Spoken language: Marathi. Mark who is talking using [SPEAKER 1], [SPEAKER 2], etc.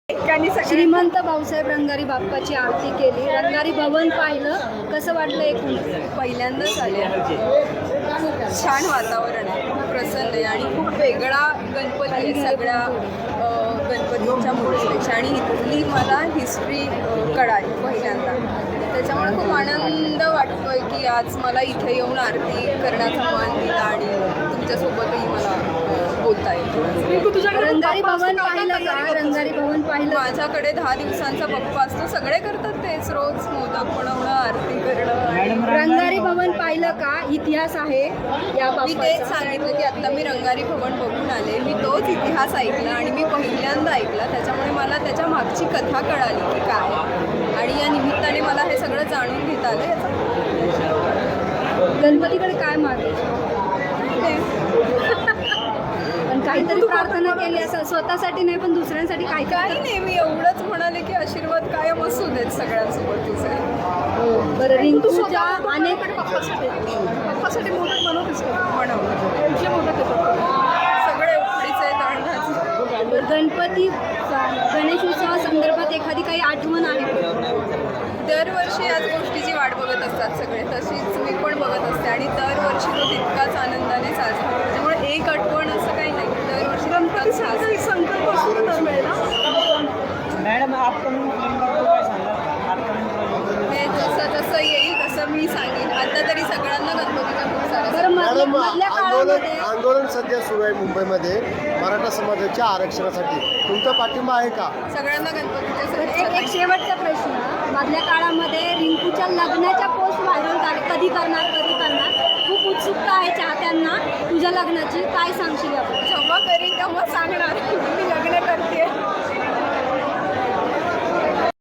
[SPEAKER 1] श्रीमंत भाऊसाहेब रंगारी बाप्पाची आरती केली, रंगारी भवन पाहिलं, कसं वाटलं? एकूण
[SPEAKER 2] पहिल्यांदाच आले. खूप छान वातावरण आहे, खूप प्रसन्न आहे आणि खूप वेगळा गणपती आहे सगळ्या गणपतींच्या मूर्तीपेक्षा. आणि इथली मला हिस्ट्री कळाली पहिल्यांदा, त्याच्यामुळे खूप आनंद वाटतोय की आज मला इथे येऊन आरती करण्याचा मान दिला आणि तुमच्यासोबतही मला बोलता येईल.
[SPEAKER 1] रंगारी भवन पाहिलं का? रंगारी भवन पाहिलं?
[SPEAKER 2] माझ्याकडे 10 दिवसांचा बप्पा असतो, सगळे करतात तेच, रोज मोदक बनवणं, आरती करणं.
[SPEAKER 1] रंगारी भवन पाहिलं का? इतिहास आहे या
[SPEAKER 2] मी तेच सांगितलं की आता मी रंगारी भवन बघून आले, मी तोच इतिहास ऐकला आणि मी पहिल्यांदा ऐकला, त्याच्यामुळे मला त्याच्या मागची कथा कळाली की काय, आणि या निमित्ताने मला हे सगळं जाणून घेता आलं.
[SPEAKER 1] गणपतीकडे काय मागायचं? पण काहीतरी प्रार्थना केली असं, स्वतःसाठी नाही पण दुसऱ्यांसाठी काय?
[SPEAKER 2] काही नाही, मी एवढंच म्हणाले की आशीर्वाद कायम असू देत सगळ्यांसोबत तुझे.
[SPEAKER 1] बरं, रिंकूच्या अनेक
[SPEAKER 2] पप्पासाठी मोदक बनवतेस का? बनवलं. कुठले मोदक येतात? सगळे उकडीचे, तांदळाचे.
[SPEAKER 1] गणपती गणेशोत्सवा संदर्भात एखादी काही आठवण आहे?
[SPEAKER 2] दरवर्षी याच गोष्टीची वाट बघत असतात सगळे, तशीच मी पण बघत असते आणि दरवर्षी तो तितकाच आनंदाने साजरा होतो. त्यामुळे एक आठवण असं काही नाही, दरवर्षी गणपती साजरा संकल्प असतो ना
[SPEAKER 3] मॅडम
[SPEAKER 2] हे जसं जसं येईल तसं मी सांगेन. आता तरी सगळ्यांना गणपतीचा खूप सारा
[SPEAKER 1] बरं, मधल्या काळामध्ये
[SPEAKER 4] आंदोलन सध्या सुरू आहे मुंबईमध्ये मराठा समाजाच्या आरक्षणासाठी, तुमचा पाठिंबा आहे का?
[SPEAKER 2] सगळ्यांना गणपतीच्या
[SPEAKER 1] एक शेवटचा प्रश्न. मधल्या काळामध्ये रिंकूच्या लग्नाच्या पोस्ट व्हायरल झाले, कधी करणार कधी करणार, खूप उत्सुकता आहे चाहत्यांना तुझ्या लग्नाची, काय सांगशील याबद्दल?
[SPEAKER 2] जेव्हा करीन तेव्हा सांगणार मी लग्न करते.